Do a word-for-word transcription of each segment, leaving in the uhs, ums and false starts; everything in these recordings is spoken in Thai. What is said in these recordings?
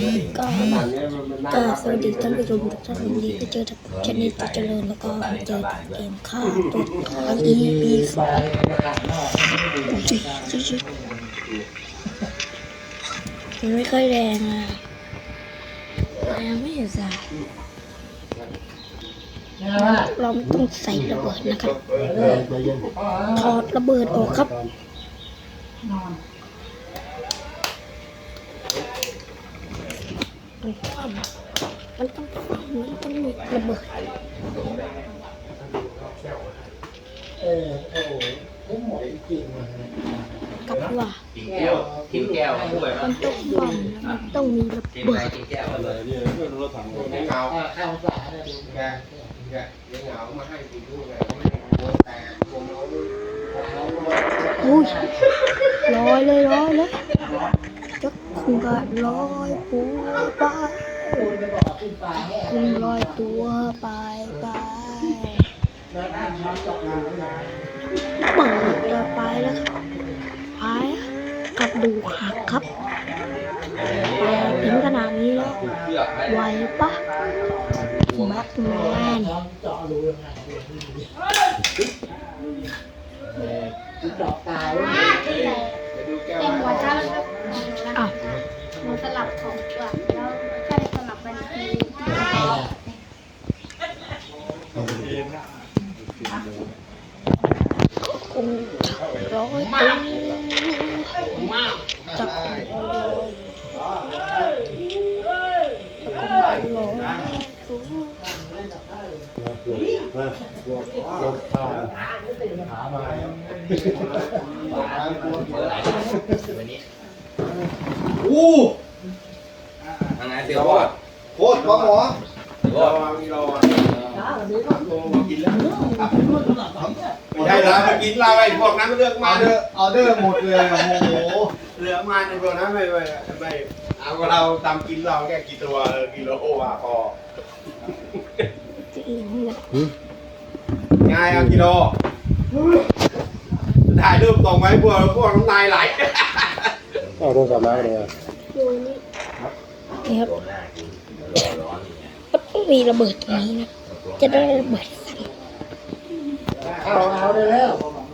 ก็ก็สวัสดีท่านผู้ชมทุกท่านวันนี้ก็เจอกับชนิดจะเจริญแล้วก็มาเจอกับเกมฆ่าตัวตาย อี พี สองจิ๊จิ๊จิ๊มันไม่ค่อยแรงอ่ะแรงไม่อยู่จ้ะเราไม่ต้องใส่ระเบิดนะครับถอดระเบิดออกครับมันต้องมันต้องมันต้องมีระเบิดกับว่ากินแก้วด้วยมันต้องบอมมันต้องมีระเบิดกินแก้วเลยเนี่ยรถถังเงาเข้าสาเนี่ยดูแกแกเงามาให้กินด้วยไงแต่วงเราอุ้ยลอยเลยลอยเลยจักคุณก็ลอยปูไปคุณลอยตัวไปไปเปิดจะไปแล้วครับไปกระดูกหักครับถึงขนาดนี้แล้วไหวปะแบทแมนดอกตายเต็มหัวใจแล้วครับอ้าวมันสลับของก่อนแล้วใช่สลับกันทีคงร้อยตัวจับอู้ยังไงเสียวอ่ะโคตรปลาหมอรอมีรอกินแล้วไม่ใช่แล้วมากินเราไอ้พวกนั้นเลือกมาเด้อออเดอร์หมดเลยโอ้โหเหลือมาในพวกนั้นไม่ไม่ไม่เอาเราตามกินเราแค่กี่ตัวกิโลโอว่าพอง่ายเอากิโลถ่ายรูปส่งไว้พวกพวกน้ำลายไหลเอาโทรศัพท์มาเลยอ่ะดูนี่นี่ครับมันต้องมีระเบิดตรงนี้นะจะได้ระเบิดเอาเอาได้แล้ว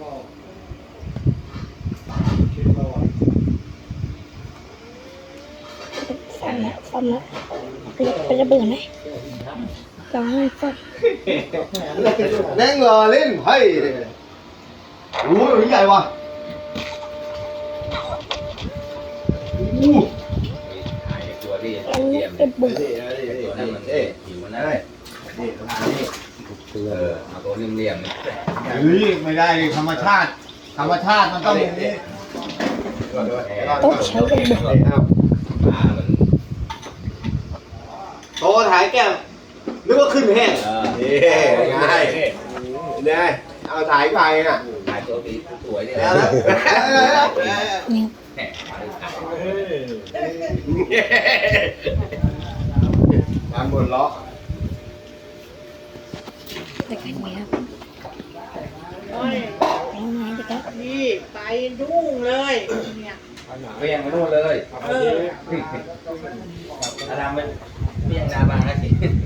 ฟันละฟันละเป็นระเบิดไหมลองให้ฟันแดงเหรอเล่นเฮ้ยโอ้ยใหญ่ว่ะอู้อันนี้เป็นบุกนั่นมันเอ๊ะหิวมันได้นี่ทานนี่เออเอาตัวเลี่ยมๆเฮ้ยไม่ได้ธรรมชาติธรรมชาติมันต้องอย่างนี้ต้องใช้ระเบิดโตถ่ายแก้มนึกว่าขึ้นแห้งนี่ง่ายนี่เอาถ่ายไปน่ะถ่ายตัวปีสวยนี่แล้วนี่ทำบนล้อไปกันไหมครับโอ้ยแล้วไงจะครับนี่ไปยุ่งเลยเนี่ยเวียงมาโน่นเลยอาดามเป็นเวียงนาบางนะสิ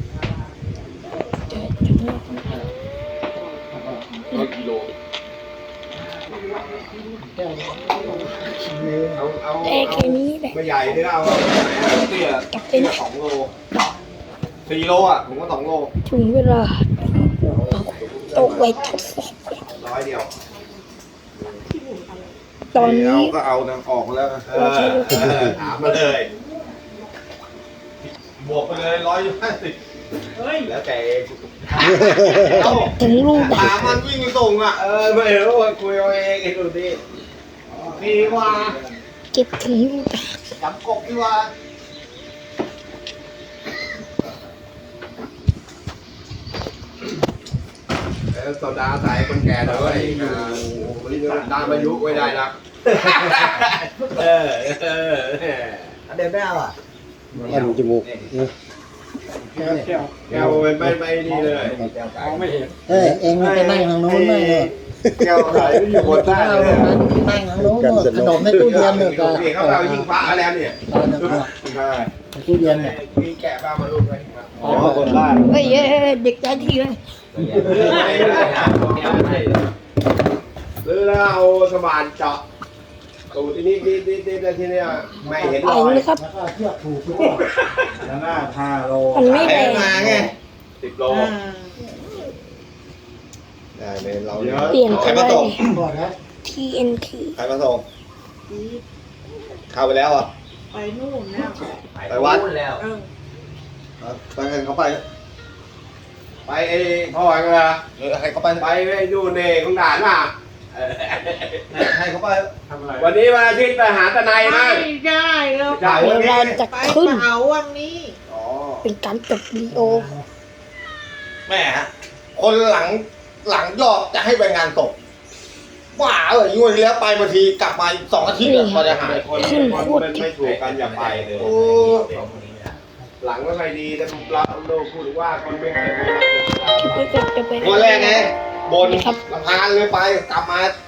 ร้อยกิโลเอาเอาแต่แค่นี้แหละไม่ใหญ่หรือเอาเตี้ยกับเป็นสองโลสี่โลอ่ะผมก็สองโลถึงเวลาตกไว้ทดสอบร้อยเดียวตอนนี้ก็เอานางออกแล้วถามมาเลยบวกไปเลยร้อยห้าสิบเฮ้ยแล้วแต่ถึงลูกถามมันวิ่งไปส่งอ่ะเออไม่รู้ว่าคุยเอาเองไอ้ดูดิดีกว่าเก็บถึงลูกจับกบดีกว่าโซดาใส่คนแก่ด้วยตามอายุไว้ได้นะเออเออเดินไม่เอาอ่ะอันจมูกแก้วแก้วไม่ไม่ไม่ดีเลยไม่เห็นเอ้ยเองมันไปนั่งทางโน้นเลยแก้วขายอยู่บนใต้เลยนั่งหลังโน้นขนมในตู้เย็นเนี่ยก็เขาเรายิงฟ้าแล้วเนี่ยใช่ตู้เย็นเนี่ยมีแกะบ้ามาลูกไหมอ๋อคนบ้านเฮ้ยเอ้ยเอ้ยเด็กใจทีเลยหรือเราเอาสมานเจาะตูที่นี่ที่นี่ที่นี่ที่นี่ไม่เห็นไปรอยเลยครับแล้วก็เชือกผูกด้วยแล้วหน้าพาโลมันไม่แรงมาไงสิบโลได้เลยเราเปลี่ยนใคไปรมาเลส่งยก่อนนะที เอ็น ทีใครมาส่งเข้าไปแล้วอ่ะไปนู่นแล้วไปวัดแล้วเออไปกันเขาไป ไปไอ้พ่อไอ้กันละเออให้เขาไปไปไอ้ดูเน่ของด่านน่ะให้เขาไปทำอะไรวันนี้วันอาทิตย์ไปหาตะไนไม่มั้งได้แล้วจ่ายเดี๋ยวเราจะไปขึ้นเผาวันนี้อ๋อเป็นการจบวิดีโอแม่ฮะคนหลังหลังยอดจะให้ไปงานศพว่าเออยุ่งที่แล้วไปบางทีกลับมาสองอาทิตย์อะพอจะหายคนขึ้นคนโคตรมันไม่ถูกกันอย่าไปเลยโอ้หลังไม่ค่อยดีแต่เราเราพูดว่าคนไม่เคยไปคลิปนี้ก็จะเป็นวันแรกไงบนครับลำพานเลยไปกลับมา